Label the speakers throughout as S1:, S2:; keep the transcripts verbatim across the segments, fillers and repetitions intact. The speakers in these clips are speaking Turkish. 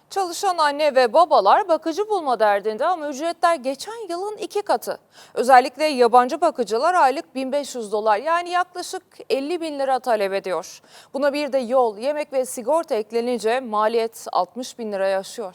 S1: Çalışan anne ve babalar bakıcı bulma derdinde ama ücretler geçen yılın iki katı. Özellikle yabancı bakıcılar aylık bin beş yüz dolar yani yaklaşık elli bin lira talep ediyor. Buna bir de yol, yemek ve sigorta eklenince maliyet altmış bin liraya aşıyor.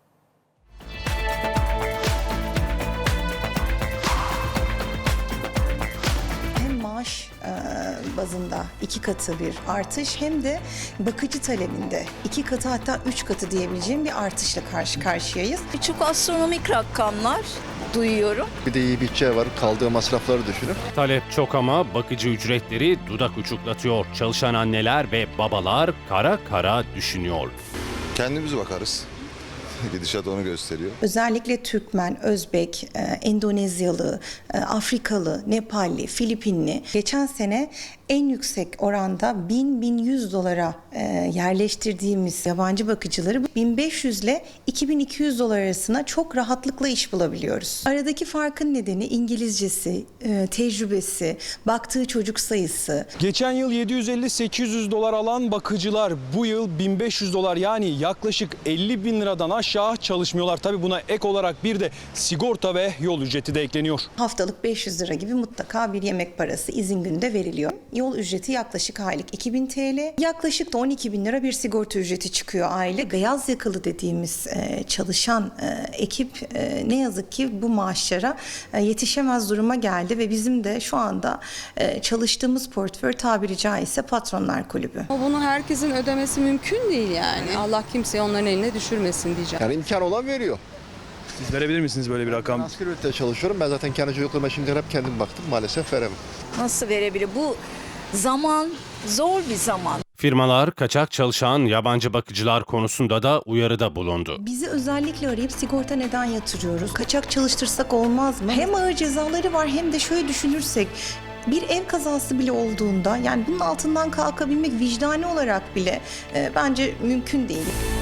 S2: Hem maaş e, bazında iki katı bir artış hem de bakıcı talebinde iki katı hatta üç katı diyebileceğim bir artışla karşı karşıyayız.
S3: Çok astronomik rakamlar duyuyorum.
S4: Bir de iyi bütçe var. Kaldığı masrafları düşünüp.
S5: Talep çok ama bakıcı ücretleri dudak uçuklatıyor. Çalışan anneler ve babalar kara kara düşünüyor.
S6: Kendimiz bakarız. Gidişat onu gösteriyor.
S2: Özellikle Türkmen, Özbek, e, Endonezyalı, e, Afrikalı, Nepalli, Filipinli geçen sene en yüksek oranda bin bin yüz dolara e, yerleştirdiğimiz yabancı bakıcıları bin beş yüz ile iki bin iki yüz dolar arasına çok rahatlıkla iş bulabiliyoruz. Aradaki farkın nedeni İngilizcesi, e, tecrübesi, baktığı çocuk sayısı.
S7: Geçen yıl yedi yüz elli sekiz yüz dolar alan bakıcılar bu yıl bin beş yüz dolar yani yaklaşık elli bin liradan aşağı çalışmıyorlar. Tabii buna ek olarak bir de sigorta ve yol ücreti de ekleniyor.
S2: Haftalık beş yüz lira gibi mutlaka bir yemek parası izin günde veriliyor. Yol ücreti yaklaşık aylık iki bin TL. Yaklaşık da on iki bin lira bir sigorta ücreti çıkıyor aylık. Beyaz yakalı dediğimiz e, çalışan e, ekip e, ne yazık ki bu maaşlara e, yetişemez duruma geldi ve bizim de şu anda e, çalıştığımız portföy tabiri caizse Patronlar Kulübü.
S8: Ama bunu herkesin ödemesi mümkün değil yani. Allah kimseyi onların eline düşürmesin diyeceğim.
S4: Yani imkan olan veriyor.
S7: Siz verebilir misiniz böyle bir rakam?
S4: Asgari ücretle çalışıyorum. Ben zaten kendi çocuklarıma şimdi hep kendim baktım. Maalesef veremem.
S3: Nasıl verebilir? Bu zaman zor bir zaman.
S5: Firmalar kaçak çalışan yabancı bakıcılar konusunda da uyarıda bulundu.
S2: Bizi özellikle arayıp sigorta neden yatırıyoruz? Kaçak çalıştırsak olmaz mı? Hem ağır cezaları var hem de şöyle düşünürsek bir ev kazası bile olduğunda yani bunun altından kalkabilmek vicdani olarak bile e, bence mümkün değil.